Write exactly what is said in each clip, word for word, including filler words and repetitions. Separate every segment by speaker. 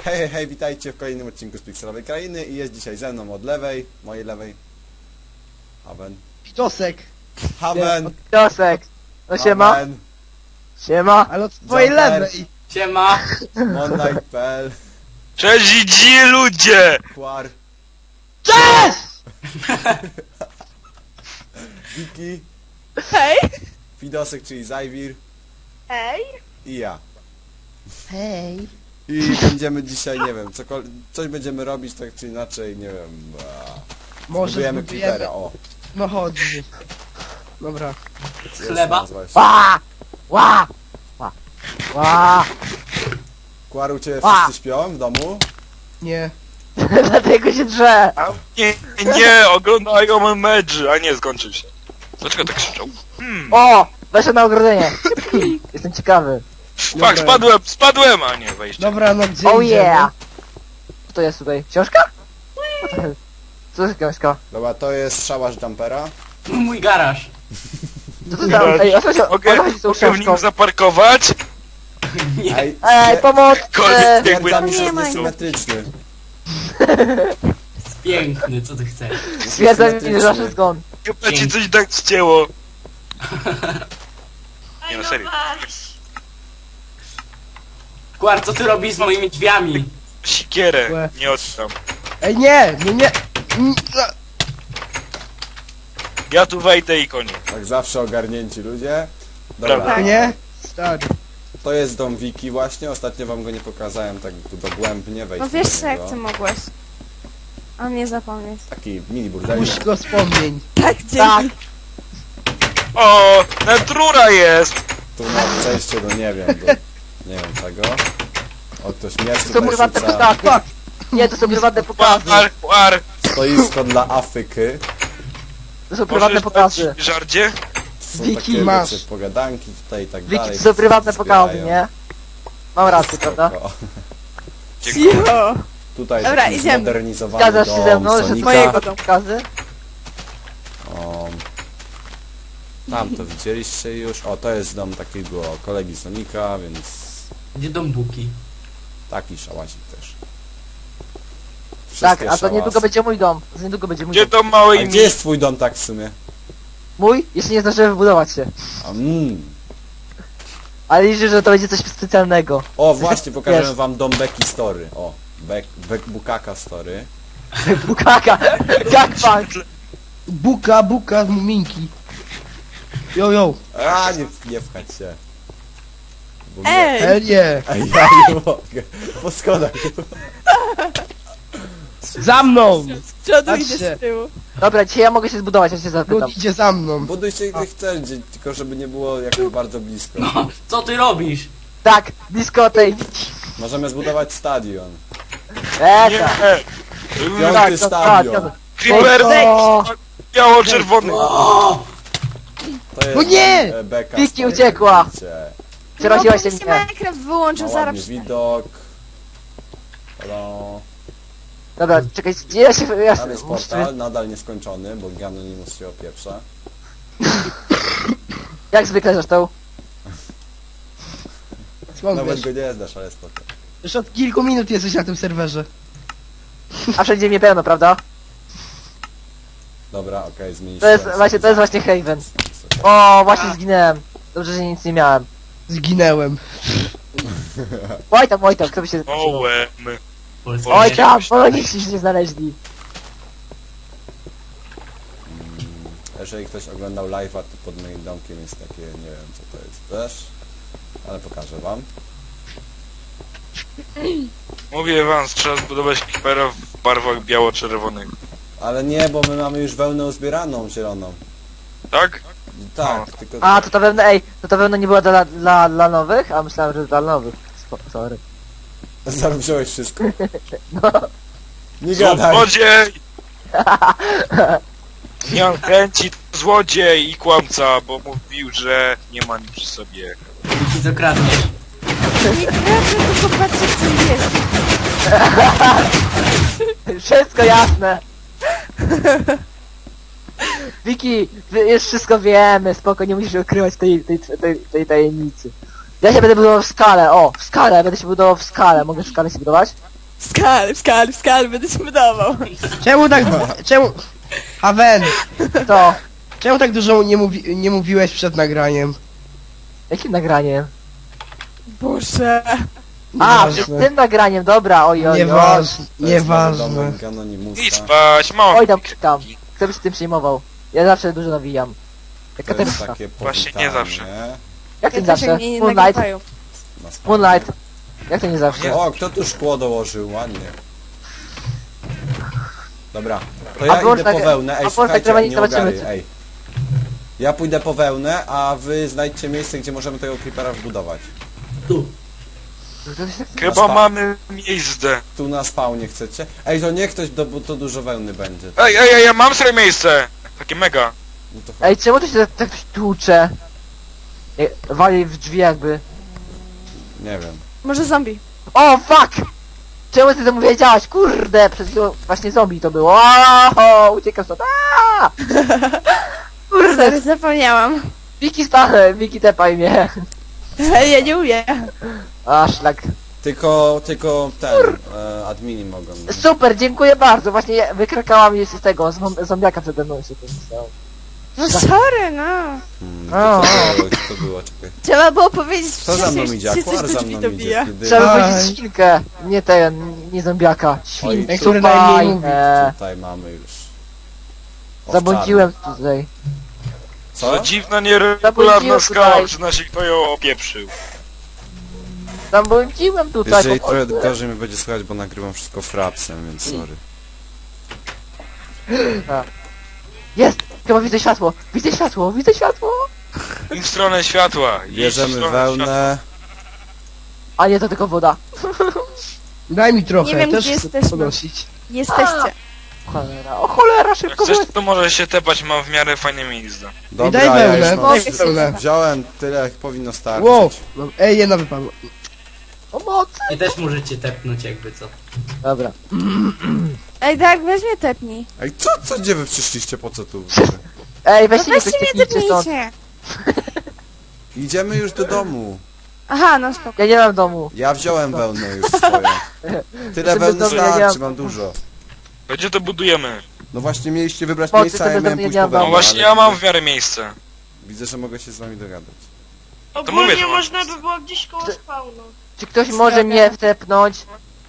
Speaker 1: Hej, hej, hej, witajcie w kolejnym odcinku z Pikselowej Krainy i jest dzisiaj ze mną od lewej, mojej lewej, Haven.
Speaker 2: Pitosek.
Speaker 1: Haven!
Speaker 3: Piosek. No siema.
Speaker 1: Haven,
Speaker 3: Siema.
Speaker 2: Ale od twojej
Speaker 1: Joker.
Speaker 2: lewej.
Speaker 4: Siema!
Speaker 1: Monlight kropka p l,
Speaker 5: Cześć idzi ludzie!
Speaker 1: Quar,
Speaker 3: Cześć!
Speaker 1: Wiki,
Speaker 6: Hej!
Speaker 1: Fidosek, czyli Zajwir
Speaker 6: Hej!
Speaker 1: i ja.
Speaker 2: Hej.
Speaker 1: I będziemy dzisiaj, nie wiem, cokolwiek, coś będziemy robić tak czy inaczej, nie wiem, a,
Speaker 2: Może
Speaker 1: budujemy
Speaker 2: zbudujemy...
Speaker 1: creepera, o.
Speaker 2: No chodź. Dobra.
Speaker 1: jest
Speaker 4: chleba?
Speaker 1: nazwa jeszcze.
Speaker 3: Ła! Ła! Ła! Ła!
Speaker 1: Quar, u ciebie
Speaker 3: A.
Speaker 1: wszyscy śpią w domu?
Speaker 2: Nie.
Speaker 3: Dlatego się drze.
Speaker 5: A nie, nie, oglądają medży, a nie, skończył się. Dlaczego tak krzyczą? Hmm,
Speaker 3: O! Weszłem na ogrodzenie. Jestem ciekawy.
Speaker 5: fuck, spadłem, spadłem, a nie, wejście.
Speaker 2: Dobra, no gdzie
Speaker 3: Oh
Speaker 2: idziemy?
Speaker 3: yeah! Co to jest tutaj? Książka? Co to jest? Co to jest książka?
Speaker 1: Dobra, to jest szałarz jumpera.
Speaker 4: Mój garaż.
Speaker 3: Co to tam? Ej, o co się o
Speaker 5: Mogę,
Speaker 3: co chodzi z tą
Speaker 5: mogę w nim
Speaker 3: książką?
Speaker 5: zaparkować?
Speaker 4: Nie.
Speaker 1: Ej,
Speaker 3: Ej, pomoc!
Speaker 5: Koniec,
Speaker 3: E,
Speaker 5: jakby...
Speaker 1: stwierdzam, że
Speaker 6: Nie
Speaker 1: jest
Speaker 6: ma.
Speaker 1: niesymetryczny.
Speaker 4: Jest piękny, co ty chcesz?
Speaker 3: Stwierdzam, że
Speaker 1: Niesymetryczny.
Speaker 3: nasz zgon.
Speaker 5: Chyba ci coś tak ścięło. Nie no, serio.
Speaker 4: Kwar, co ty robisz z moimi drzwiami?
Speaker 5: Sikierę,
Speaker 2: Łe.
Speaker 5: nie oddam.
Speaker 2: Ej, nie, nie, nie. Mm, a,
Speaker 5: Ja tu wejdę i koniec.
Speaker 1: Tak zawsze ogarnięci ludzie. Dobra,
Speaker 5: Prawda.
Speaker 2: Nie? Stary.
Speaker 1: to jest dom Wiki właśnie, ostatnio wam go nie pokazałem tak tu dogłębnie, wejść
Speaker 6: No wiesz
Speaker 1: do
Speaker 6: co, jak
Speaker 1: niego.
Speaker 6: ty mogłeś? A mnie zapomnieć.
Speaker 1: Taki mini burdelik.
Speaker 2: Puść go wspomnień.
Speaker 6: Tak, dzięki.
Speaker 3: Tak.
Speaker 5: O, natrura jest!
Speaker 1: Tu ma przejście do nie wiem, do nie wiem czego. O, ktoś miecz
Speaker 3: To są
Speaker 1: tutaj
Speaker 3: prywatne
Speaker 1: rzuca.
Speaker 3: pokazy. Nie, to są prywatne pokazy.
Speaker 5: Par, par.
Speaker 1: Stoisko dla Afryky.
Speaker 3: To są prywatne
Speaker 5: Możesz
Speaker 3: pokazy.
Speaker 5: dać żardzie?
Speaker 1: Są
Speaker 3: Wiki,
Speaker 1: takie
Speaker 2: masz.
Speaker 1: wiecie, pogadanki tutaj i tak
Speaker 3: Wiki,
Speaker 1: dalej.
Speaker 3: to są prywatne
Speaker 1: Wspierają.
Speaker 3: pokazy, nie? Mam rację,
Speaker 1: Spoko.
Speaker 3: prawda?
Speaker 5: Dziękuję.
Speaker 6: Cicho!
Speaker 1: Tutaj
Speaker 6: Dobra,
Speaker 1: taki
Speaker 6: idziemy.
Speaker 1: zmodernizowany
Speaker 3: Zgadzasz się ze
Speaker 1: dom
Speaker 3: mną, że
Speaker 1: Sonika.
Speaker 3: mojego pokazy?
Speaker 1: O, tam to widzieliście już. O, to jest dom takiego kolegi Sonika, więc
Speaker 4: Gdzie dom Buki?
Speaker 1: taki szałasik też.
Speaker 3: Tak,
Speaker 1: Wszystkie
Speaker 3: a to niedługo
Speaker 1: szałasy.
Speaker 3: będzie mój dom. To niedługo będzie mój
Speaker 5: Gdzie
Speaker 3: dom.
Speaker 5: to małej
Speaker 1: A
Speaker 5: mi?
Speaker 1: gdzie jest twój dom tak w sumie?
Speaker 3: Mój? Jeszcze nie zdążyłem wybudować się.
Speaker 1: A, mm.
Speaker 3: Ale liczę, że to będzie coś specjalnego.
Speaker 1: O, właśnie, pokażę
Speaker 3: Wiesz.
Speaker 1: wam dom Becky Story. O, Bek, Bek Bukaka Story.
Speaker 3: Bukaka! Gangbang!
Speaker 2: Buka, buka z muminki. Jo, jo.
Speaker 1: A, nie, nie pchać się. Bo mnie-
Speaker 6: Ej!
Speaker 2: Hell yeah.
Speaker 1: Ej, ja nie mogę. Po schodach.
Speaker 2: Za mną.
Speaker 6: Z przodu
Speaker 2: Patrzcie.
Speaker 6: idę z tyłu.
Speaker 3: Dobra, dzisiaj ja mogę się zbudować, ja się zapytam.
Speaker 2: Lud idzie za mną.
Speaker 1: Buduj się gdzie chcesz, gdzie- tylko żeby nie było jakoś bardzo blisko.
Speaker 4: No, co ty robisz?
Speaker 3: Tak, blisko tej...
Speaker 1: Możemy zbudować stadion.
Speaker 3: Eee,
Speaker 5: Nie,
Speaker 3: tak.
Speaker 1: Piąty
Speaker 3: Tak, to-
Speaker 1: stadion.
Speaker 3: tak,
Speaker 5: Creeper
Speaker 3: O,
Speaker 5: biało-czerwony.
Speaker 4: O!
Speaker 1: To jest
Speaker 2: No nie!
Speaker 1: e, Beka
Speaker 3: Wiki
Speaker 1: Story,
Speaker 3: uciekła.
Speaker 1: jak widzicie.
Speaker 3: Przeraziłaś się
Speaker 6: No, bo mi
Speaker 3: mnie.
Speaker 6: Minecraft wyłączył,
Speaker 1: Ma
Speaker 6: zaraz
Speaker 1: ładny
Speaker 6: przyjdę.
Speaker 1: widok. No,
Speaker 3: Dobra, czekaj, gdzie ja się... Ja
Speaker 1: tam jest
Speaker 3: muszę...
Speaker 1: portal, nadal nieskończony, bo Ganonimus się opieprza.
Speaker 3: Jak zwykle zresztą.
Speaker 2: Skąd
Speaker 1: Nawet
Speaker 2: wiesz?
Speaker 1: go nie znasz, ale spoko.
Speaker 2: Już od kilku minut jesteś na tym serwerze.
Speaker 3: A wszędzie mnie pełno, prawda?
Speaker 1: Dobra, okej, okay, zmienić.
Speaker 3: To jest właśnie, to jest właśnie Haven. O, właśnie zginęłem. Dobrze, że nic nie miałem.
Speaker 2: Zginęłem.
Speaker 3: Oj tam, oj tam, kto by się...
Speaker 5: Ołem.
Speaker 4: Polski.
Speaker 3: Oj tam, poloniści się nie znaleźli.
Speaker 1: Jeżeli ktoś oglądał live'a, to pod moim domkiem jest takie, nie wiem co to jest też, ale pokażę wam.
Speaker 5: Mówię wam, trzeba zbudować creepera w barwach biało-czerwonych.
Speaker 1: Ale nie, bo my mamy już wełnę uzbieraną zieloną.
Speaker 5: Tak?
Speaker 1: Tak,
Speaker 5: No.
Speaker 1: tylko...
Speaker 3: A, to ta wełna, ej, to ta wełna nie była dla, dla, dla nowych? A myślałem, że dla nowych. Spo- Sorry.
Speaker 1: Zaraz wziąłeś wszystko.
Speaker 3: No.
Speaker 1: Nie gadaj!
Speaker 5: Złodziej! Miał chęci złodziej i kłamca, bo mówił, że nie ma nic przy sobie.
Speaker 4: Buki, co kradniesz?
Speaker 6: Nie kradnę, tylko patrzę, co jest.
Speaker 3: Wszystko jasne. Wiki, wy- już wszystko wiemy, spoko, nie musisz ukrywać tej, tej, tej, tej tajemnicy. Ja się będę budował w skale, o, w skale, będę się budował w skale. Mogę w skale się budować?
Speaker 6: Skarb, skarb, skarb, będę ci budował.
Speaker 2: Czemu tak... Czemu... Haven,
Speaker 3: To.
Speaker 2: czemu tak dużo nie, mówi, nie mówiłeś przed nagraniem?
Speaker 3: Jakim nagraniem?
Speaker 6: Boże.
Speaker 3: A,
Speaker 2: Nieważne.
Speaker 3: przed tym nagraniem, dobra, oj, oj, oj.
Speaker 2: Nieważne,
Speaker 1: To jest nowy
Speaker 2: nieważne.
Speaker 1: domek Anonimusa.
Speaker 5: Idź spać, mam.
Speaker 3: Oj, tam krzykam. Kto by się tym przejmował? Ja zawsze dużo nawijam. Jak
Speaker 1: To jest
Speaker 3: Katarzyna.
Speaker 1: takie
Speaker 5: Właśnie nie
Speaker 1: powitanie
Speaker 5: zawsze.
Speaker 3: Jak to
Speaker 6: Ja
Speaker 3: nie
Speaker 6: też
Speaker 3: zawsze?
Speaker 6: jak mnie nie
Speaker 3: Moonlight?
Speaker 6: nagrywają.
Speaker 1: na spawnie.
Speaker 3: Moonlight. Jak to nie zawsze?
Speaker 1: O, kto tu szkło dołożył? Ładnie. Dobra, to
Speaker 3: A
Speaker 1: ja
Speaker 3: włącz
Speaker 1: idę po
Speaker 3: tak-
Speaker 1: wełnę.
Speaker 3: a
Speaker 1: Ej,
Speaker 3: włącz
Speaker 1: słuchajcie,
Speaker 3: nagrywanie,
Speaker 1: nie
Speaker 3: zobaczymy,
Speaker 1: ogarnię,
Speaker 3: czy-
Speaker 1: ej. Ja pójdę po wełnę, a wy znajdźcie miejsce, gdzie możemy tego creepera wbudować.
Speaker 4: Tu.
Speaker 5: Chyba
Speaker 1: spa-
Speaker 5: mamy miejsce.
Speaker 1: Tu na spawnie chcecie? Ej, to nie ktoś, do, bo to dużo wełny będzie.
Speaker 5: Ej, ej, ej, ja mam swoje miejsce. Takie mega.
Speaker 1: No to
Speaker 3: Ej, czemu tu się tak, tak ktoś tłucze? Ej, wali w drzwi jakby.
Speaker 1: nie wiem.
Speaker 6: Może zombie.
Speaker 3: O, fuck! Czemu ty to mu wiedziałaś? Kurde, przed chwilą właśnie zombie to było. O, uciekam stąd. Aaaa! Kurde,
Speaker 6: Sorry, zapomniałam.
Speaker 3: Wiki spachę, Wiki tepaj mnie.
Speaker 6: Ja nie umiem.
Speaker 3: A, szlak.
Speaker 1: Tylko, tylko ten, e, admini mogą. no.
Speaker 3: Super, dziękuję bardzo. Właśnie ja- wykrakała mnie z tego, z zom- zombiaka przede mną się tym stało.
Speaker 6: No sorry, no.
Speaker 1: Hmm,
Speaker 3: O,
Speaker 1: to,
Speaker 3: o.
Speaker 1: to, było, to było, czekaj.
Speaker 6: Trzeba było powiedzieć
Speaker 1: Co za mną
Speaker 6: wcześniej,
Speaker 1: idzie?
Speaker 6: że się coś
Speaker 1: Akuar
Speaker 6: do
Speaker 1: za
Speaker 6: drzwi
Speaker 1: mną
Speaker 6: dobija.
Speaker 1: idzie. Kiedy...
Speaker 3: Trzeba
Speaker 2: Aj.
Speaker 3: powiedzieć świnkę, nie ten, nie zombiaka. Świnkę.
Speaker 2: Ej, który najmniej mówi.
Speaker 1: Tutaj mamy już. O,
Speaker 3: Zabłądziłem tutaj.
Speaker 1: Co?
Speaker 5: To dziwna, nieregularna
Speaker 3: Zabłądziłem
Speaker 5: skała,
Speaker 3: tutaj.
Speaker 5: przyzna się kto ją opieprzył.
Speaker 3: Zabłądziłem tutaj.
Speaker 1: Jeżeli
Speaker 3: po
Speaker 1: trochę
Speaker 3: prostu.
Speaker 1: gorzej mi będzie słychać, bo nagrywam wszystko frapsem, więc sorry.
Speaker 3: Jest! Chyba widzę światło! Widzę światło! Widzę światło!
Speaker 5: I w stronę światła. idź w
Speaker 1: Bierzemy
Speaker 5: stronę
Speaker 1: wełnę.
Speaker 3: A nie, to tylko woda.
Speaker 2: Daj mi trochę,
Speaker 6: Nie wiem,
Speaker 2: też
Speaker 6: gdzie
Speaker 2: chcę
Speaker 6: jesteśmy.
Speaker 2: podnosić.
Speaker 6: Jesteście.
Speaker 3: Cholera, o cholera,
Speaker 5: Jak
Speaker 3: szybko
Speaker 5: chcesz,
Speaker 3: byłeś.
Speaker 5: to możesz się tepać, mam w miarę fajne miejsce.
Speaker 1: Dobra,
Speaker 2: daj
Speaker 1: ja
Speaker 2: wełnę,
Speaker 1: już mam.
Speaker 2: daj
Speaker 6: Mogę się
Speaker 2: wełnę.
Speaker 1: Wziąłem tyle, jak powinno starczyć.
Speaker 2: Wow, no, ej, jedna wypadła.
Speaker 3: Pomocy!
Speaker 4: I też możecie tepnąć jakby co.
Speaker 3: Dobra.
Speaker 6: Ej, tak, weźmie tepnij.
Speaker 1: Ej, co, co, gdzie wy przyszliście, po co tu?
Speaker 3: Ej,
Speaker 6: No
Speaker 3: weźcie mnie ktoś
Speaker 6: weźcie mnie
Speaker 3: technicznie stąd.
Speaker 6: tepnijcie.
Speaker 1: Idziemy już do domu.
Speaker 6: Aha, no spoko.
Speaker 3: Ja nie mam domu.
Speaker 1: Ja wziąłem wełnę już swoją. Tyle
Speaker 3: Żeby
Speaker 1: wełny
Speaker 3: dobrze, ja nie
Speaker 1: starczy,
Speaker 3: mam-
Speaker 1: mam dużo.
Speaker 5: Gdzie to budujemy?
Speaker 1: No właśnie mieliście wybrać
Speaker 3: Po co
Speaker 1: miejsce, a ja
Speaker 3: sobie
Speaker 1: miałem
Speaker 3: do mnie
Speaker 1: pójść
Speaker 3: nie
Speaker 1: po
Speaker 3: mam
Speaker 1: wełnę.
Speaker 5: No właśnie,
Speaker 1: ale
Speaker 5: ja mam w miarę miejsce.
Speaker 1: Widzę, że mogę się z wami dogadać.
Speaker 5: mówię,
Speaker 7: Ogólnie
Speaker 5: że
Speaker 7: można
Speaker 5: masz.
Speaker 7: by było gdzieś koło spawnu.
Speaker 3: Czy ktoś może mnie wtepnąć?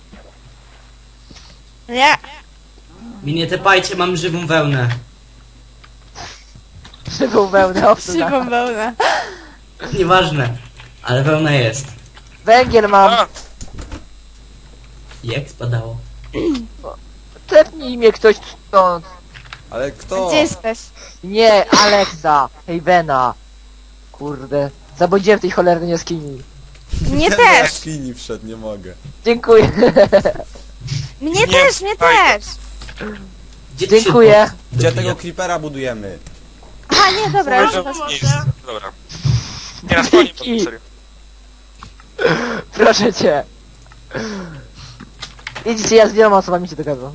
Speaker 6: Nie.
Speaker 4: Mi nie tepajcie, mam żywą wełnę.
Speaker 3: Żywą wełnę, obsługa.
Speaker 6: Szybą wełnę.
Speaker 4: Nieważne. Ale wełna jest.
Speaker 3: Węgiel mam.
Speaker 5: A,
Speaker 4: Jak spadało?
Speaker 3: Tepnij mnie ktoś stąd.
Speaker 1: Ale kto?
Speaker 6: Gdzie jesteś?
Speaker 3: Nie, Alexa. Hejvena. Kurde. Zabłądziłem w tej cholernej jaskini.
Speaker 6: Mnie
Speaker 1: Ja do
Speaker 6: też.
Speaker 1: jaskini wszedł, nie mogę.
Speaker 3: Dziękuję.
Speaker 6: Mnie
Speaker 5: Nie,
Speaker 6: też, mnie
Speaker 5: fajnie.
Speaker 6: też.
Speaker 4: Gdzie ty się
Speaker 3: Dziękuję.
Speaker 4: do-
Speaker 1: Gdzie
Speaker 4: dobija?
Speaker 1: tego creepera budujemy?
Speaker 6: A nie, dobra, już
Speaker 5: Może
Speaker 6: was.
Speaker 5: miejsce. Dobra. Nie, na spokojnie,
Speaker 3: Dzięki.
Speaker 5: serio.
Speaker 3: Proszę cię. Idźcie, ja z wieloma osobami się dogadam.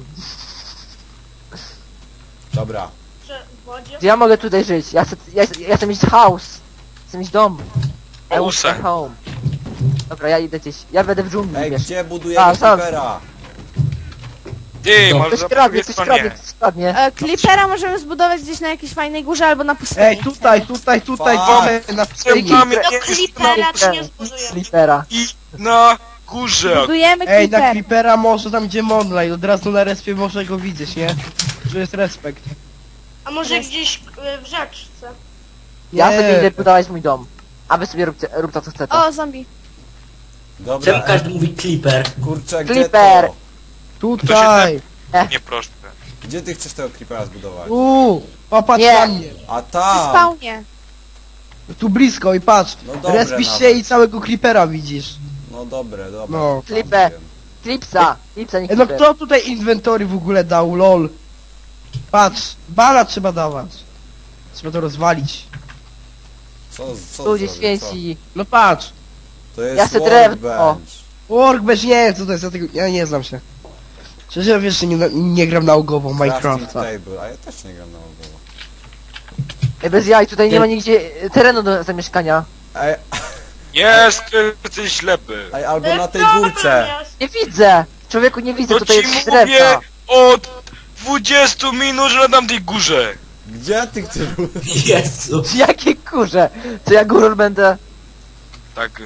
Speaker 1: Dobra.
Speaker 7: Że w wodzie.
Speaker 3: Gdzie ja mogę tutaj żyć? Ja chcę, ja, chcę- ja chcę mieć house. Chcę mieć dom. I want
Speaker 5: House.
Speaker 3: a home. Dobra, ja idę gdzieś. Ja będę w dżungli,
Speaker 1: Ej,
Speaker 3: wiesz.
Speaker 1: gdzie budujemy
Speaker 3: A, sam.
Speaker 1: creepera?
Speaker 5: Ty,
Speaker 4: No.
Speaker 5: może
Speaker 3: Ktoś
Speaker 5: za
Speaker 3: kradnie,
Speaker 5: drugiej
Speaker 3: ktoś
Speaker 5: stronie.
Speaker 3: kradnie, ktoś kradnie.
Speaker 6: E, Clippera możemy zbudować gdzieś na jakiejś fajnej górze albo na pustyni.
Speaker 2: Ej, tutaj, tutaj, tutaj,
Speaker 1: Fuck.
Speaker 2: tutaj, na pustyni.
Speaker 5: Mamy
Speaker 7: Do
Speaker 5: nie
Speaker 7: klipera czy nie zbuduję.
Speaker 3: Slipera.
Speaker 5: i na górze.
Speaker 6: Budujemy
Speaker 2: Ej, na
Speaker 6: Clipper.
Speaker 2: Creepera może tam gdzie Monlight, od razu na respie może go widzieć, nie? Że jest respekt.
Speaker 7: A może gdzieś y, w rzeczce.
Speaker 3: Ja
Speaker 2: Nie.
Speaker 3: sobie idę budować mój dom. A wy sobie róbcie, róbcie co chcecie.
Speaker 6: O, zombie.
Speaker 1: Dobra,
Speaker 4: Czemu każdy mówi Clipper?
Speaker 1: kurczę, gdzie
Speaker 3: Creeper.
Speaker 1: to?
Speaker 2: Tutaj!
Speaker 5: Nie proszę.
Speaker 1: Gdzie ty chcesz tego creepera zbudować?
Speaker 2: Uuu, popatrz
Speaker 3: Nie.
Speaker 2: na mnie.
Speaker 1: A
Speaker 6: Przy
Speaker 1: tam!
Speaker 6: spawnie.
Speaker 2: Tu blisko i patrz.
Speaker 1: No dobre
Speaker 2: Respisz się
Speaker 1: nawet.
Speaker 2: i całego Creepera widzisz.
Speaker 1: No dobre, dobre.
Speaker 2: No.
Speaker 1: Tam
Speaker 3: Clipper.
Speaker 1: wiem.
Speaker 3: Clipsa. Clipsa, nie
Speaker 2: E, no
Speaker 3: Clipper.
Speaker 2: kto tutaj inwentory w ogóle dał, lol? Patrz, bana trzeba dawać. Trzeba to rozwalić.
Speaker 1: Co, co
Speaker 3: Ludzie
Speaker 1: zrobię, co?
Speaker 3: święci.
Speaker 2: No patrz.
Speaker 1: To jest
Speaker 3: Ja chcę drewno.
Speaker 1: workbench.
Speaker 2: Workbench, nie wiem co to jest, ja, tego, ja nie znam się. Szczerze wiesz, że nie, nie gram naukowo w
Speaker 1: Crafting
Speaker 2: Minecrafta.
Speaker 1: table, a ja też nie gram na ogoło.
Speaker 3: Ej, bez jaj, tutaj nie ma nigdzie e, terenu do zamieszkania.
Speaker 1: Ej,
Speaker 5: Jest, ty jesteś ślepy.
Speaker 1: ej, albo
Speaker 7: Y,
Speaker 1: na tej
Speaker 7: problem
Speaker 1: górce.
Speaker 7: jest.
Speaker 3: Nie widzę. człowieku nie widzę,
Speaker 5: To
Speaker 3: tutaj
Speaker 5: ci
Speaker 3: jest
Speaker 5: mówię
Speaker 3: drewna.
Speaker 5: od dwudziestu minut, że na tamtej górze.
Speaker 1: Gdzie ty chcesz?
Speaker 4: Jezu.
Speaker 3: Jakie kurze? Co ja górą będę?
Speaker 5: Tak.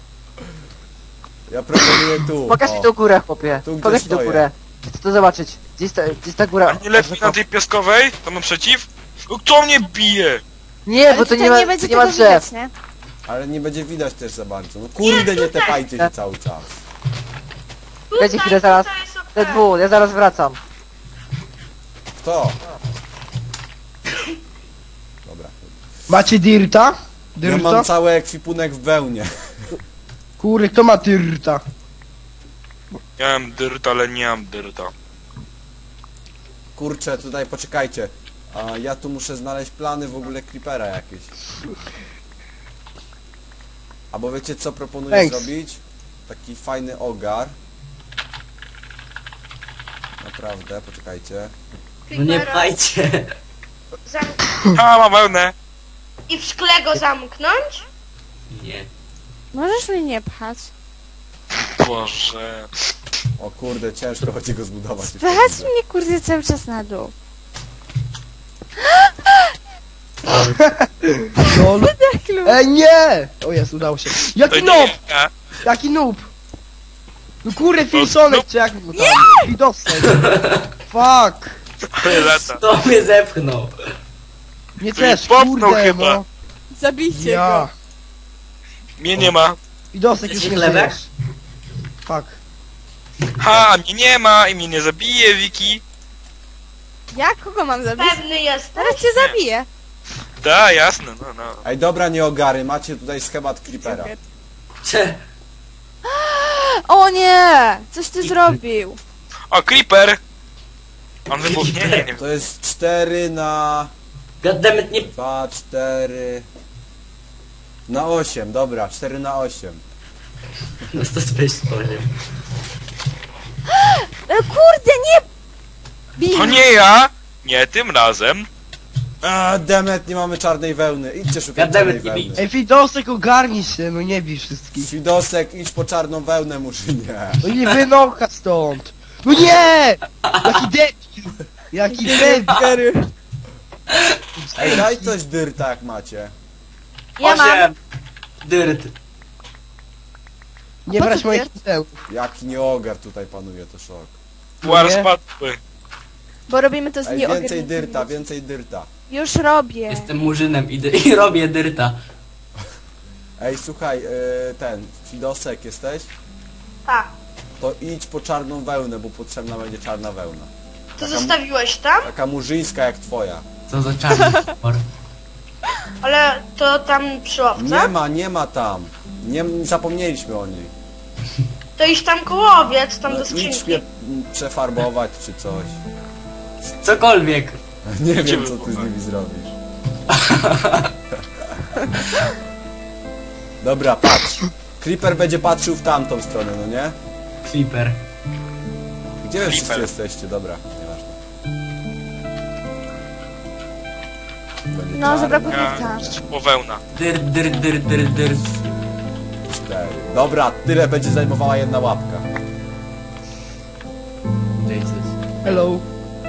Speaker 1: Ja proponuję tu.
Speaker 3: Pokaż
Speaker 1: o.
Speaker 3: mi tą górę, chłopie.
Speaker 1: Tu, gdzie
Speaker 3: Pokaż mi tą
Speaker 1: stoję.
Speaker 3: górę. Chcę to zobaczyć. Gdzie jest ta, gdzie jest ta góra?
Speaker 5: A nie lepiej na tej piaskowej? Tam naprzeciw? No kto mnie bije?
Speaker 3: Nie,
Speaker 6: Ale
Speaker 3: bo to
Speaker 6: tutaj
Speaker 3: nie ma,
Speaker 6: nie będzie
Speaker 3: to nie ma
Speaker 6: tego
Speaker 3: drzew.
Speaker 6: widać, nie?
Speaker 1: Ale nie będzie widać też za bardzo. No kurde, nie tepajcie się cały czas.
Speaker 3: Dajcie
Speaker 7: Tutaj,
Speaker 3: chwilę, zaraz.
Speaker 7: tutaj jest okej.
Speaker 3: Te dwu, ja zaraz wracam.
Speaker 1: Kto? Dobra.
Speaker 2: Macie dirta?
Speaker 1: Ja
Speaker 2: Dirta?
Speaker 1: mam cały ekwipunek w wełnie.
Speaker 2: Kury, kto ma dirta?
Speaker 5: Miałem dyrta, ale nie mam dyrta.
Speaker 1: Kurczę, tutaj poczekajcie. A ja tu muszę znaleźć plany w ogóle creepera jakieś. Albo wiecie co proponuję
Speaker 2: Thanks.
Speaker 1: zrobić? Taki fajny ogar. Naprawdę, poczekajcie.
Speaker 4: No nie pajcie.
Speaker 7: Zamk-
Speaker 5: A, mam wełnę.
Speaker 7: I w szkle go zamknąć?
Speaker 4: Nie.
Speaker 6: Możesz mnie nie pchać.
Speaker 5: Boże.
Speaker 1: O kurde, ciężko będzie go zbudować. już
Speaker 6: Spychać
Speaker 1: widzę.
Speaker 6: mnie kurde cały czas na dół.
Speaker 2: Lol.
Speaker 6: Tak lub.
Speaker 2: Ej, nie! O jest, udało się.
Speaker 5: To
Speaker 2: Jaki
Speaker 5: nie
Speaker 2: noob!
Speaker 5: ja.
Speaker 2: Jaki noob! No kurde, Filsonek, czy jak mu tam? Widosek. Fuck!
Speaker 5: Ale lata.
Speaker 3: To mnie zepchnął.
Speaker 2: Nie
Speaker 5: Tu
Speaker 2: też,
Speaker 5: mnie popchnął
Speaker 2: kurde,
Speaker 5: chyba.
Speaker 2: no.
Speaker 6: Zabijcie
Speaker 2: Ja.
Speaker 6: go.
Speaker 5: Mnie nie ma.
Speaker 2: Widosek już
Speaker 3: Jesteś
Speaker 2: nie
Speaker 3: chlebek?
Speaker 2: żyjesz. Fuck.
Speaker 5: Ha, mnie nie ma i mnie nie zabije, Wiki.
Speaker 6: Ja kogo mam zabić?
Speaker 7: Pewny jest.
Speaker 6: Teraz cię zabiję.
Speaker 5: Da, jasne, no, no.
Speaker 1: Ej, dobra, nie ogary, macie tutaj schemat creepera.
Speaker 4: Cze.
Speaker 6: O nie! Coś ty zrobił.
Speaker 5: O, creeper. On wybuchnie? Nie, nie.
Speaker 1: To jest cztery na...
Speaker 4: Goddammit, nie...
Speaker 1: dwa, cztery... Na osiem, dobra, cztery na osiem.
Speaker 4: No to weź powiem.
Speaker 6: E, kurde, nie! Bij.
Speaker 5: To nie ja. Nie, tym razem.
Speaker 1: A, demet, nie mamy czarnej wełny. Idźcie szukać
Speaker 4: Gadamy,
Speaker 1: czarnej
Speaker 4: nie bij.
Speaker 1: wełny.
Speaker 2: Ej, Widosek, ogarnij się, no nie bij wszystkich.
Speaker 1: Świdosek, idź po czarną wełnę, Murzynie.
Speaker 2: No nie wynocha stąd. No nie! Jaki debil! Jaki debil!
Speaker 1: Ej, daj coś dyrta, jak macie.
Speaker 6: Ja mam.
Speaker 4: Osiem. Dyrt.
Speaker 2: Nie
Speaker 6: Po co
Speaker 2: brać
Speaker 6: ty
Speaker 2: moich
Speaker 6: jest?
Speaker 2: pudeł.
Speaker 1: Jaki nieogar tutaj panuje, to szok.
Speaker 5: Puar
Speaker 2: Nie.
Speaker 5: spadły.
Speaker 6: Bo robimy to z
Speaker 1: Ej,
Speaker 6: nieogarniętymi
Speaker 1: więcej dyrta,
Speaker 6: ludźmi.
Speaker 1: więcej dyrta.
Speaker 6: Już robię.
Speaker 4: Jestem murzynem i, dy- i robię dyrta.
Speaker 1: Ej, słuchaj, yy, ten, Fidosek jesteś?
Speaker 7: Tak.
Speaker 1: To idź po czarną wełnę, bo potrzebna będzie czarna wełna.
Speaker 7: To
Speaker 1: Taka,
Speaker 7: zostawiłeś tam?
Speaker 1: taka murzyńska jak twoja.
Speaker 4: Co za czarny potwór.
Speaker 7: Ale to tam przy łowce?
Speaker 1: Nie ma, nie ma tam. Nie, zapomnieliśmy o niej.
Speaker 7: To iść tam koło owiec, tam
Speaker 1: No,
Speaker 7: do
Speaker 1: idź
Speaker 7: skrzynki.
Speaker 1: mnie m, przefarbować czy coś.
Speaker 4: Cokolwiek.
Speaker 1: Nie wiem,
Speaker 5: Gdzie
Speaker 1: co ty z
Speaker 5: było?
Speaker 1: nimi zrobisz. Dobra, patrz. Creeper będzie patrzył w tamtą stronę, no nie?
Speaker 4: Creeper.
Speaker 1: Gdzie wy wszyscy
Speaker 5: Creeper.
Speaker 1: jesteście? Dobra, nieważne. Będzie
Speaker 6: No,
Speaker 1: czarna,
Speaker 6: zabrakło
Speaker 5: Ja,
Speaker 6: dyrta.
Speaker 5: po wełna.
Speaker 4: Dyrt, dyrt, dyrt, dyrt, dyrt.
Speaker 1: cztery. Dobra, tyle będzie zajmowała jedna łapka.
Speaker 4: Jesus.
Speaker 2: Hello.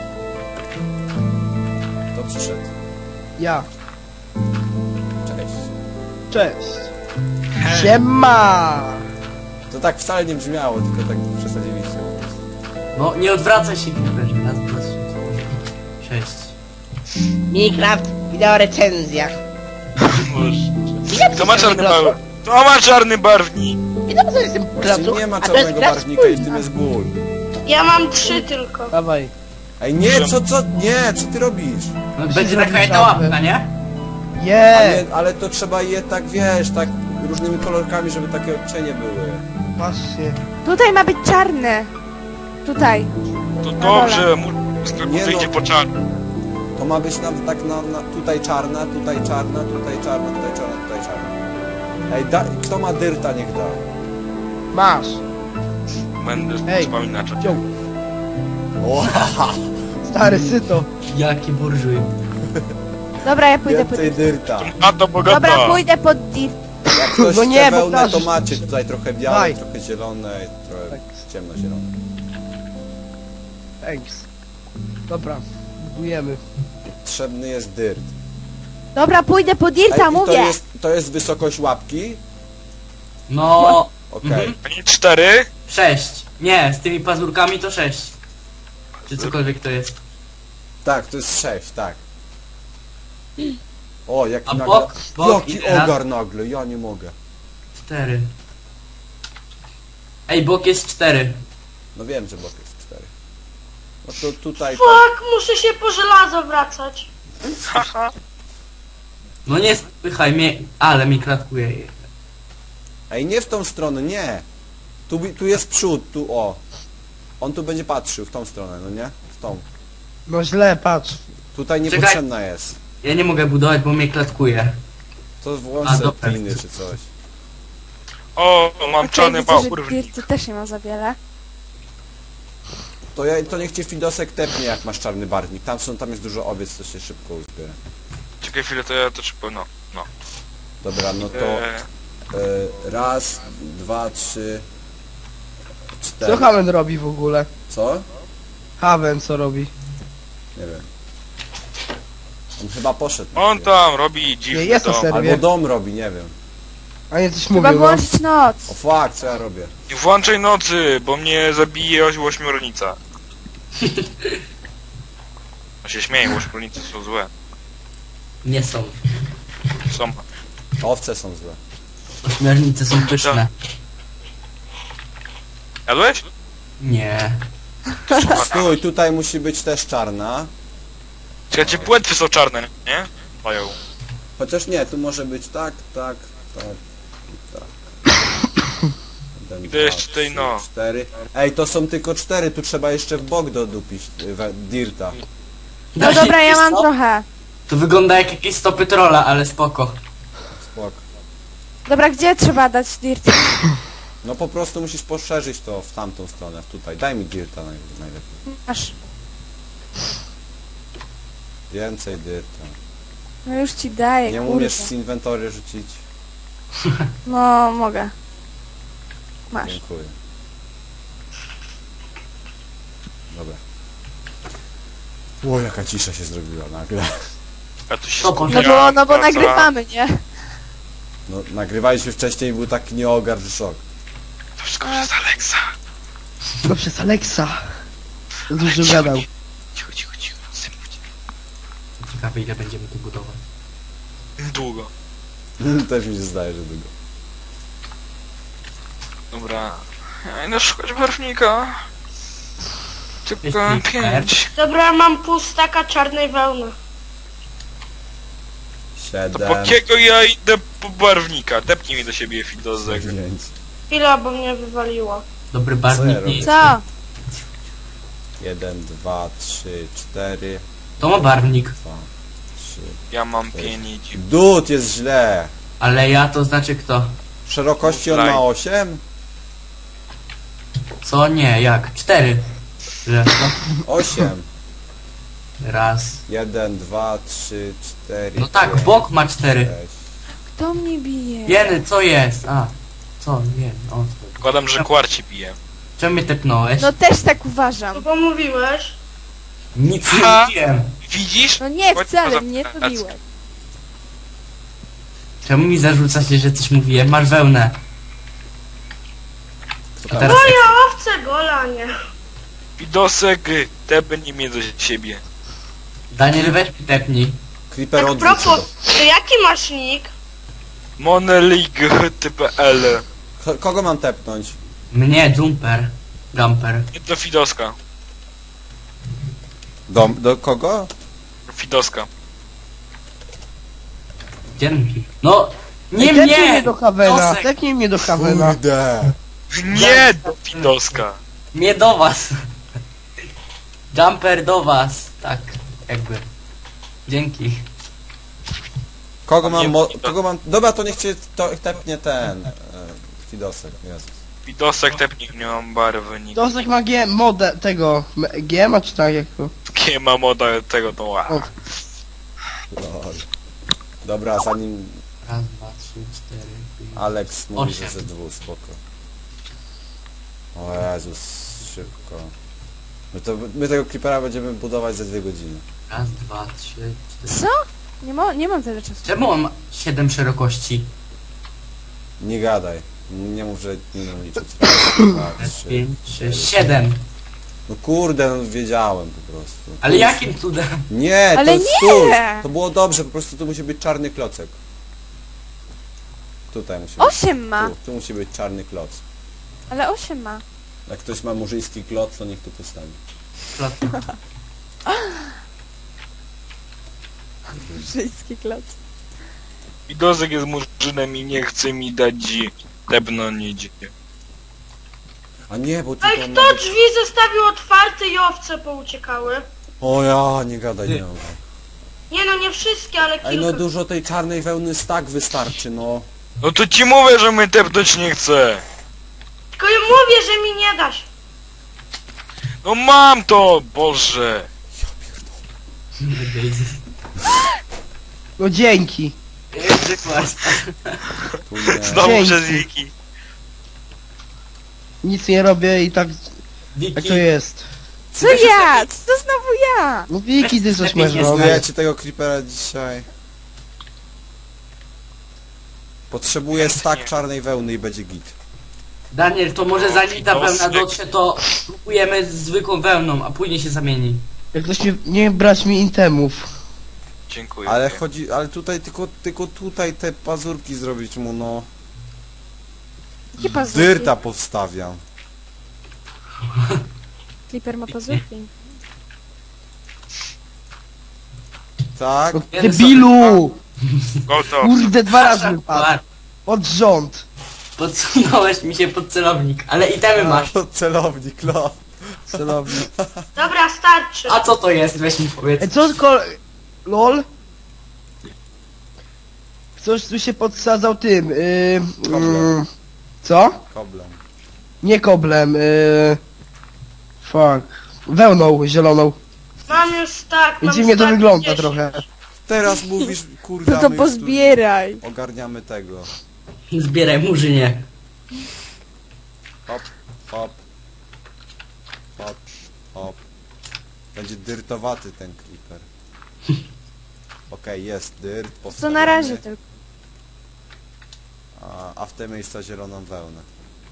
Speaker 1: Kto przyszedł?
Speaker 2: Ja.
Speaker 1: Cześć.
Speaker 2: Cześć. Siema!
Speaker 1: To tak wcale nie brzmiało, tylko tak przesadziliście. po prostu.
Speaker 4: No nie odwracaj się, Creeper. Raz, dwa, trzy, cztery. Sześć.
Speaker 2: Minecraft, wideo recenzja.
Speaker 5: Boże. To ma czarny barwnik. To ma czarny barwnik.
Speaker 2: I dobrze, że jestem
Speaker 1: Właśnie nie ma czarnego barwnika i w tym jest ból.
Speaker 7: Ja mam trzy tylko.
Speaker 2: Dawaj.
Speaker 1: Ej, nie, co, co, nie, co ty robisz?
Speaker 4: No,
Speaker 2: Musisz
Speaker 4: będzie
Speaker 2: zrobić
Speaker 4: taka jedna
Speaker 2: żabę.
Speaker 4: łapka, nie?
Speaker 1: A
Speaker 2: Nie!
Speaker 1: nie, ale to trzeba je tak, wiesz, tak różnymi kolorkami, żeby takie odcienie były.
Speaker 2: Właśnie.
Speaker 6: Tutaj ma być czarne. Tutaj.
Speaker 5: To dobrze, mu
Speaker 1: Nie
Speaker 5: wyjdzie
Speaker 1: no.
Speaker 5: po czarny.
Speaker 1: To ma być na, tak na, na tutaj czarna, tutaj czarna, tutaj czarna, tutaj czarna, tutaj czarna. Ej, da, kto ma dyrta, niech da.
Speaker 2: Masz.
Speaker 5: Będę
Speaker 2: Ej.
Speaker 5: wspominać.
Speaker 2: Wziął.
Speaker 1: O,
Speaker 2: Stary syto.
Speaker 4: Jaki burżuj.
Speaker 6: Dobra, ja pójdę po
Speaker 1: więcej
Speaker 6: dirt.
Speaker 1: dyrta.
Speaker 5: A to bogata.
Speaker 6: Dobra, pójdę pod dirt.
Speaker 1: Jak ktoś
Speaker 2: No
Speaker 1: chce
Speaker 2: nie, bo
Speaker 1: wełnę, to
Speaker 2: każdy-
Speaker 1: macie tutaj trochę białe,
Speaker 2: Daj.
Speaker 1: trochę zielone, trochę
Speaker 2: Tak.
Speaker 1: ciemnozielone.
Speaker 2: Thanks. Dobra, budujemy.
Speaker 1: Potrzebny jest dyrt.
Speaker 6: Dobra, pójdę po
Speaker 1: Ej,
Speaker 6: Dirta,
Speaker 1: i to
Speaker 6: mówię.
Speaker 1: jest, to jest wysokość łapki?
Speaker 4: No,
Speaker 1: Okej.
Speaker 4: Mhm.
Speaker 5: A nie cztery?
Speaker 4: sześć. Nie, z tymi pazurkami to sześć. Czy cokolwiek to jest.
Speaker 1: Tak, to jest sześć, tak. O, jaki
Speaker 4: A
Speaker 1: nagle...
Speaker 4: bok, bok i
Speaker 1: Jaki
Speaker 4: teraz
Speaker 1: ogar nagle, ja nie mogę.
Speaker 4: cztery. Ej, bok jest cztery.
Speaker 1: No wiem, że bok jest cztery. No to tutaj...
Speaker 7: Fuck, muszę się po żelazo wracać.
Speaker 4: No nie spychaj mnie, ale mi klatkuje.
Speaker 1: Ej, nie w tą stronę, nie. Tu, bi- tu jest przód, tu o. On tu będzie patrzył w tą stronę, no nie? W tą.
Speaker 2: No źle, patrz.
Speaker 1: Tutaj
Speaker 4: Czekaj.
Speaker 1: niepotrzebna jest.
Speaker 4: Ja nie mogę budować, bo mnie klatkuje.
Speaker 1: To
Speaker 4: A,
Speaker 1: włączę
Speaker 4: dobra.
Speaker 1: kliny czy coś.
Speaker 5: O, mam
Speaker 6: Okej,
Speaker 5: czarny
Speaker 6: widzę, że
Speaker 5: bałur.
Speaker 6: Dirty też nie ma za wiele.
Speaker 1: To, ja, to niech cię Fidosek tepnie, jak masz czarny barwnik. Tam są, tam jest dużo owiec, to się szybko uzbiera.
Speaker 5: Czekaj chwilę, to ja to szybko, no. no.
Speaker 1: Dobra, no to...
Speaker 5: Eee,
Speaker 1: E, raz, dwa, trzy, cztery.
Speaker 2: Co Haven robi w ogóle?
Speaker 1: Co?
Speaker 2: Haven co robi?
Speaker 1: Nie wiem. On chyba poszedł. na
Speaker 5: on
Speaker 1: chwilę.
Speaker 5: tam robi
Speaker 2: Nie,
Speaker 5: dziwny
Speaker 2: jest to
Speaker 5: dom.
Speaker 2: serio.
Speaker 1: Albo dom robi, nie wiem.
Speaker 2: A nie coś
Speaker 6: Chyba
Speaker 2: mówił, no.
Speaker 6: włączyć noc.
Speaker 1: O fuck, co ja robię?
Speaker 5: Nie włączaj nocy, bo mnie zabije oś- ośmiornica. No się śmieję, ośmiornice są złe.
Speaker 4: Nie są.
Speaker 5: Są.
Speaker 1: Owce są złe.
Speaker 4: Ośmiornice są pyszne.
Speaker 5: Jadłeś?
Speaker 4: Nie.
Speaker 1: Stój, tutaj musi być też czarna.
Speaker 5: Czekajcie, płetwy są czarne, nie? Mają.
Speaker 1: Chociaż nie, tu może być tak, tak, tak i tak. Jeden,
Speaker 5: Idę jeszcze tutaj,
Speaker 1: trzy,
Speaker 5: no.
Speaker 1: cztery. Ej, to są tylko cztery, tu trzeba jeszcze w bok dodupić y, we- Dirta.
Speaker 6: No dobra, ja mam trochę.
Speaker 4: To wygląda jak jakieś stopy trolla, ale spoko.
Speaker 1: Spok.
Speaker 6: Dobra, gdzie trzeba dać Dirt?
Speaker 1: No po prostu musisz poszerzyć to w tamtą stronę, tutaj. Daj mi Dirta naj- najlepiej.
Speaker 6: Masz.
Speaker 1: Więcej Dirta.
Speaker 6: No już ci daję,
Speaker 1: Nie
Speaker 6: kurde.
Speaker 1: umiesz z inwentory rzucić?
Speaker 6: No, mogę. Masz.
Speaker 1: Dziękuję. Dobra. O, jaka cisza się zrobiła nagle.
Speaker 5: A tu się
Speaker 4: No, bo-
Speaker 6: No
Speaker 5: skupiam,
Speaker 6: bo, no bo
Speaker 5: praca.
Speaker 6: nagrywamy, nie?
Speaker 1: No, nagrywaliśmy wcześniej i był taki nieogar, że szok.
Speaker 5: To wszystko przez Alexa.
Speaker 2: No przez Alexa. Dużo gadał.
Speaker 5: Cicho, cicho, cicho. Symuć.
Speaker 4: Ciekawe ile będziemy tu budować.
Speaker 5: Długo.
Speaker 1: Też mi się zdaje, że długo.
Speaker 5: Dobra. Ja idę szukać barwnika. Tylko
Speaker 4: Jest
Speaker 5: pięć.
Speaker 7: Dobra, mam pół staka czarnej wełny.
Speaker 5: To po
Speaker 1: Siedem.
Speaker 5: kiego ja idę po barwnika? Tepnij mi do siebie Fidozek.
Speaker 1: Dziewięć.
Speaker 7: Chwila, bo mnie wywaliło.
Speaker 4: Dobry
Speaker 1: Co
Speaker 4: barwnik
Speaker 1: ja
Speaker 4: nie
Speaker 1: robię?
Speaker 4: jest.
Speaker 6: Co?
Speaker 1: Jeden, dwa, trzy, cztery,
Speaker 4: To ma barwnik.
Speaker 1: dwa, trzy.
Speaker 5: Ja mam pięć.
Speaker 1: Dud, jest źle.
Speaker 4: Ale ja to znaczy kto?
Speaker 1: W szerokości on
Speaker 5: Laj.
Speaker 1: ma osiem?
Speaker 4: Co? Nie, jak? Cztery. Że?
Speaker 1: osiem.
Speaker 4: Raz.
Speaker 1: jeden, dwa, trzy, cztery.
Speaker 4: No tak,
Speaker 1: pięć,
Speaker 4: bok ma cztery.
Speaker 1: sześć.
Speaker 6: Kto mnie bije?
Speaker 4: Jeny, co jest? A. Co? Nie. O.
Speaker 5: Zakładam, że kwarci bije.
Speaker 4: Czemu mnie tepnąłeś?
Speaker 6: No też tak
Speaker 7: No
Speaker 6: uważam.
Speaker 7: bo mówiłeś.
Speaker 4: Nic
Speaker 5: Ha?
Speaker 4: nie mówiłem.
Speaker 5: Widzisz?
Speaker 6: No nie,
Speaker 5: Chodź
Speaker 6: wcale
Speaker 5: poza-
Speaker 6: mnie to biłeś.
Speaker 4: Czemu mi zarzucacie, że coś mówiłem? Masz wełnę.
Speaker 1: Kto
Speaker 4: A
Speaker 1: tam?
Speaker 4: teraz
Speaker 7: Ja owce gola, nie.
Speaker 5: Fidosek, tepnij mnie do siebie.
Speaker 4: Daniel, weź mi tepnij.
Speaker 1: Creeper
Speaker 7: Tak
Speaker 1: odwróć
Speaker 7: propos,
Speaker 1: się.
Speaker 7: to jaki masz nick?
Speaker 5: Monelig.pl
Speaker 1: Ko- Kogo mam tepnąć?
Speaker 4: Mnie, Jumper. Jumper.
Speaker 5: Nie do Fidoska.
Speaker 1: Do, do kogo?
Speaker 5: Fidoska.
Speaker 4: Dzięki. No, nie
Speaker 2: Ej, tepnij
Speaker 4: mnie!
Speaker 2: mnie do Havena.
Speaker 4: Nosek.
Speaker 2: Tepnij mnie do Havena.
Speaker 1: Kurde.
Speaker 5: Nie do Fidoska.
Speaker 4: Nie do was. Jumper do was. Tak, jakby. Dzięki.
Speaker 1: Kogo mam,
Speaker 5: Nie,
Speaker 1: mo-
Speaker 5: nie to.
Speaker 1: kogo mam... Dobra, to niech cię to, tepnie ten... E, Fidosek, Jezus.
Speaker 5: Fidosek, tepnij mnie, mam barwnik.
Speaker 2: Dosek ma G, modę tego. m- G ma czy tak jak to?
Speaker 5: Nie ma moda tego, to ła.
Speaker 2: O.
Speaker 1: Lol. Dobra, zanim
Speaker 4: Raz, dwa, trzy, cztery, pięć.
Speaker 1: Alex mówi,
Speaker 4: Osiem.
Speaker 1: że ze dwóch, spoko. O Jezus, szybko. No to my tego creepera będziemy budować za dwie godziny.
Speaker 4: Raz, dwa, trzy, cztery.
Speaker 6: Co? Nie, mo nie mam tyle czasu.
Speaker 4: Czemu mam siedem szerokości?
Speaker 1: Nie gadaj. Nie mów, że nie umiem liczyć. Raz, dwa,
Speaker 4: Raz,
Speaker 1: trzy.
Speaker 4: pięć, sześć, siedem.
Speaker 1: No kurde, no wiedziałem po prostu.
Speaker 4: Ale jakim cudem?
Speaker 1: Nie,
Speaker 6: Ale
Speaker 1: to
Speaker 6: nie!
Speaker 1: stój! To było dobrze, po prostu tu musi być czarny klocek. Tutaj musi być.
Speaker 6: Osiem ma.
Speaker 1: Tu, tu musi być czarny kloc.
Speaker 6: Ale osiem ma.
Speaker 1: Jak ktoś ma murzyński kloc, to niech tu postawi.
Speaker 6: Żyjski kloc.
Speaker 5: I Dozek jest murzynem i nie chce mi dać tepnąć.
Speaker 1: A nie, bo
Speaker 7: Ej,
Speaker 1: tutaj
Speaker 7: kto
Speaker 1: ma być...
Speaker 7: drzwi zostawił otwarte i owce pouciekały?
Speaker 1: O ja, nie gadaj, nie gadaj.
Speaker 7: Nie no, nie wszystkie, ale kilka.
Speaker 1: Ej, no dużo tej czarnej wełny stak wystarczy, no.
Speaker 5: No to ci mówię, że mnie tepnąć nie chce.
Speaker 7: Tylko ja mówię, że mi nie dasz.
Speaker 5: No mam to, Boże.
Speaker 2: No dzięki.
Speaker 1: Tu nie.
Speaker 5: Znowu
Speaker 2: Dzięki.
Speaker 5: przez wiki.
Speaker 2: Nic nie robię i tak, tak
Speaker 4: Wiki,
Speaker 2: to jest.
Speaker 6: Co ja? Co to znowu ja?
Speaker 2: No Wiki, ty coś
Speaker 4: Lepiej
Speaker 2: masz
Speaker 4: nie
Speaker 2: robić.
Speaker 1: Budujecie tego creepera dzisiaj. Potrzebuję stak czarnej wełny i będzie git.
Speaker 4: Daniel, to może zanim ta
Speaker 5: O,
Speaker 4: wełna
Speaker 5: styk.
Speaker 4: dotrze, to spróbujemy z zwykłą wełną, a później się zamieni.
Speaker 2: Jak ktoś nie, nie brać mi intemów.
Speaker 5: Dziękuję.
Speaker 1: Ale chodzi, ale tutaj tylko, tylko tutaj te pazurki zrobić mu, no.
Speaker 6: Jakie pazurki?
Speaker 1: Dyrta powstawiam.
Speaker 6: Clipper ma pazurki.
Speaker 1: Tak?
Speaker 2: No,
Speaker 4: Jeden
Speaker 2: debilu!
Speaker 5: Gotow.
Speaker 2: Kurde, dwa razy mi padł.
Speaker 4: Par,
Speaker 2: Od rząd.
Speaker 4: podsunąłeś mi się pod celownik, ale itemy masz.
Speaker 1: To celownik, no.
Speaker 2: Celownik.
Speaker 7: Dobra, starczy.
Speaker 4: A co to jest? Weź mi powiedz.
Speaker 2: Ej, co tylko... LOL? Ktoś tu się podsadzał tym, yy,
Speaker 1: Koblem.
Speaker 2: yy, co?
Speaker 1: Koblem.
Speaker 2: Nie koblem, yy, fuck. Wełną zieloną.
Speaker 7: Mam już tak,
Speaker 2: I
Speaker 7: mam
Speaker 2: dziwnie to
Speaker 7: stack
Speaker 2: wygląda
Speaker 7: dziesięć.
Speaker 2: trochę.
Speaker 1: Teraz mówisz, kurde,
Speaker 6: No
Speaker 1: a
Speaker 6: to
Speaker 1: my już tu
Speaker 6: pozbieraj.
Speaker 1: ogarniamy tego.
Speaker 4: Zbieraj murzynie.
Speaker 1: Hop, hop. Hop, hop. Będzie dyrtowaty ten creeper. Okej, jest dyrt,
Speaker 6: To
Speaker 1: postawiony,
Speaker 6: na razie tylko.
Speaker 1: a, a w te miejsca zieloną wełnę.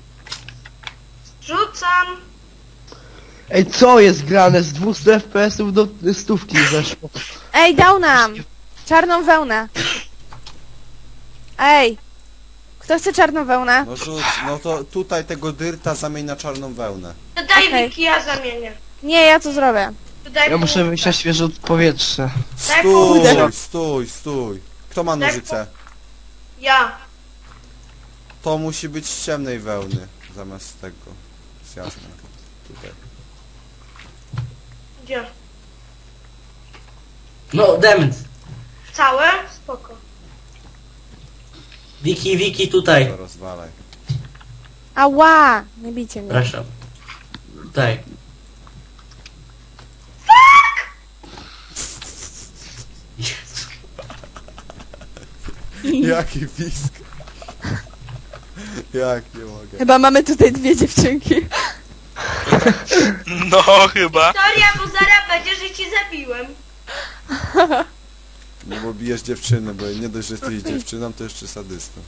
Speaker 7: Rzucam.
Speaker 2: Ej, co jest grane? Z dwieście F P S-ów do stówki zeszło.
Speaker 6: Ej, dał nam! Czarną wełnę. Ej! Kto chce czarną wełnę?
Speaker 1: No rzuć, no to tutaj tego dyrta zamień na czarną wełnę.
Speaker 7: Daj
Speaker 6: Okej.
Speaker 7: Wiki, ja zamienię.
Speaker 6: Nie, ja to zrobię.
Speaker 7: Daj
Speaker 2: Ja muszę wyjść na świeże powietrze.
Speaker 7: Daj
Speaker 1: Stój,
Speaker 7: pół.
Speaker 1: stój, stój. Kto ma
Speaker 7: Daj
Speaker 1: nożyce?
Speaker 7: Ja.
Speaker 1: To musi być z ciemnej wełny zamiast tego. Z jasnej. Tutaj.
Speaker 7: Gdzie?
Speaker 4: No, dement.
Speaker 7: Całe? Spoko.
Speaker 4: Wiki, wiki, tutaj.
Speaker 1: To rozwalaj.
Speaker 6: Ała! Nie bijcie mnie.
Speaker 4: Proszę. Tutaj.
Speaker 1: Jaki pisk. Jak nie mogę.
Speaker 6: Chyba mamy tutaj dwie dziewczynki.
Speaker 5: No chyba.
Speaker 7: Historia, bo zaraz będzie, że ci zabiłem.
Speaker 1: No bo bijesz dziewczynę, bo nie dość, że jesteś dziewczyną, to jeszcze sadystą.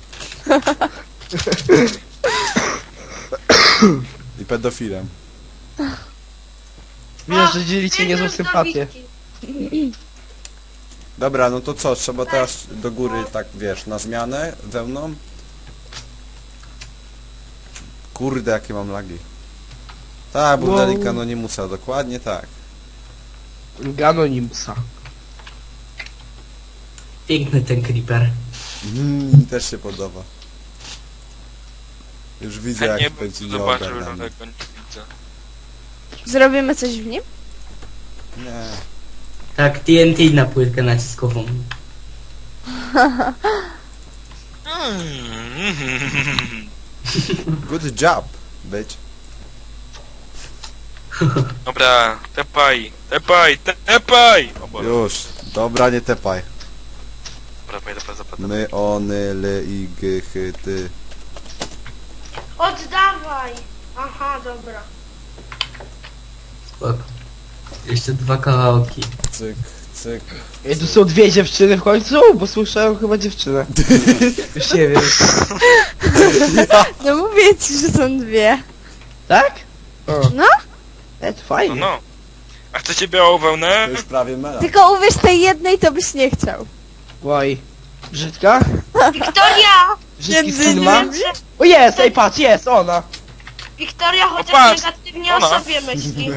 Speaker 1: I pedofilem.
Speaker 2: Wiesz, że dzielicie niezłą
Speaker 7: biegłem do
Speaker 2: sympatię.
Speaker 7: Wiki.
Speaker 1: Dobra, no to co? Trzeba teraz do góry, tak wiesz, na zmianę wełną. Kurde, jakie mam lagi. Tak,
Speaker 2: Wow.
Speaker 1: Burdelika, no nie musa, dokładnie tak.
Speaker 2: Ganonimsa.
Speaker 4: Piękny ten creeper.
Speaker 1: Mm, mi też się podoba. Już widzę,
Speaker 5: Ja
Speaker 1: jak
Speaker 5: nie bym
Speaker 1: będzie
Speaker 5: zobaczył, że
Speaker 1: nieogarniany.
Speaker 5: tego nie widzę.
Speaker 6: Zrobimy coś w nim?
Speaker 1: Nie.
Speaker 4: Tak, T N T na płytkę naciskową.
Speaker 5: Mm.
Speaker 1: Good job, bitch.
Speaker 5: Dobra, tepaj, tepaj, tepaj! O Boże.
Speaker 1: Już. Dobra, nie tepaj.
Speaker 5: Dobra, pojdę po zapłatę.
Speaker 1: My, ony, ly, i, g, chy, ty.
Speaker 7: Oddawaj. Aha, dobra.
Speaker 4: Spoko. Jeszcze dwa kawałki.
Speaker 1: Cyk, cyk.
Speaker 2: Ej, tu są dwie dziewczyny w końcu, bo słyszałem chyba dziewczynę. Już nie wiem.
Speaker 6: No mówię ci, że są dwie.
Speaker 2: Tak? O.
Speaker 6: No.
Speaker 2: E, to
Speaker 5: No
Speaker 2: fajnie.
Speaker 5: no. A chcecie białą wełnę?
Speaker 1: To już prawie mela.
Speaker 6: Tylko uwierz tej jednej, to byś nie chciał.
Speaker 2: Oj. Brzydka?
Speaker 7: Wiktoria!
Speaker 2: Brzydki
Speaker 6: Między
Speaker 2: skin ma?
Speaker 6: nimi.
Speaker 2: O jest, ej patrz, jest, ona.
Speaker 7: Wiktoria chociaż
Speaker 5: patrz,
Speaker 7: negatywnie
Speaker 5: ona.
Speaker 7: o sobie myśli.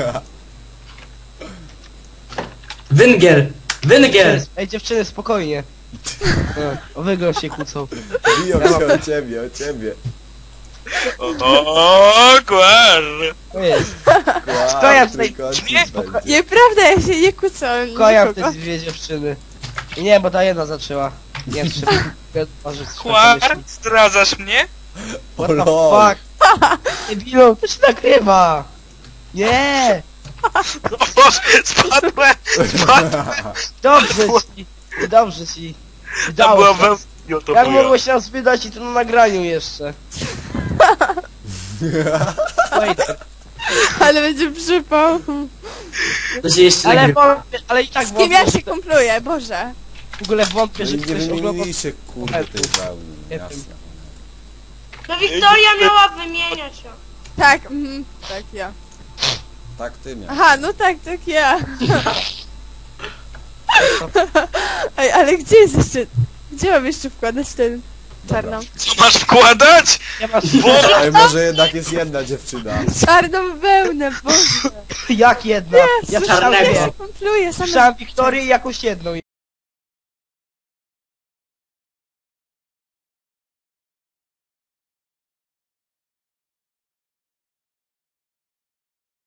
Speaker 4: Węgiel! Węgiel!
Speaker 2: Ej dziewczyny, spokojnie. O, o wygląd się kłócą.
Speaker 1: Biją się o ciebie, o ciebie.
Speaker 5: O, dokładnie.
Speaker 2: O jest.
Speaker 1: Kłam,
Speaker 2: tutaj-
Speaker 1: trójkątnik
Speaker 5: Nie,
Speaker 1: będzie.
Speaker 6: Nieprawda, ja się nie kłócę o
Speaker 2: Kojam
Speaker 6: nikogo.
Speaker 2: te dwie dziewczyny. I nie, bo ta jedna zaczęła. Nie, trzeba. Może
Speaker 5: Kłar, zdradzasz mnie?
Speaker 1: O
Speaker 2: What the
Speaker 1: lol.
Speaker 2: fuck? Debilu, to się nagrywa! Nie!
Speaker 5: O Boże, spadłem! Spadłem!
Speaker 2: Dobrze ci! Dobrze ci!
Speaker 5: Tam
Speaker 2: Udało
Speaker 5: była
Speaker 2: się.
Speaker 5: wełna, to
Speaker 2: Jak
Speaker 5: była.
Speaker 2: mogłeś nas wydać i to na nagraniu jeszcze? Wait,
Speaker 6: Ale będzie przypał.
Speaker 4: To się jeszcze
Speaker 2: ale,
Speaker 4: nagrywa.
Speaker 2: wątpię, ale i tak
Speaker 6: Z kim ja
Speaker 2: wątpię,
Speaker 6: się
Speaker 2: że-
Speaker 6: kumpluję, Boże.
Speaker 2: w ogóle wątpię,
Speaker 1: No
Speaker 2: że
Speaker 1: i nie
Speaker 2: ktoś ogląda...
Speaker 1: wymieniliście kurde tej wełny,
Speaker 2: Nie
Speaker 1: jasne.
Speaker 7: No Wiktoria miała wymieniać ją.
Speaker 6: Tak, mhm, tak ja.
Speaker 1: Tak ty miałeś.
Speaker 6: Aha, no tak, tak ja. Ej, ale gdzie jest jeszcze... Gdzie mam jeszcze wkładać ten czarną...
Speaker 5: Co masz wkładać?
Speaker 2: Nie masz...
Speaker 1: Ej, może jednak jest jedna dziewczyna.
Speaker 6: Czarną wełnę, Boże.
Speaker 2: Jak jedna? Ja słyszałem,
Speaker 4: Czarnego.
Speaker 2: dwie.
Speaker 6: Kumpluję, same
Speaker 2: Słyszałem Wiktorię i jakąś jedną.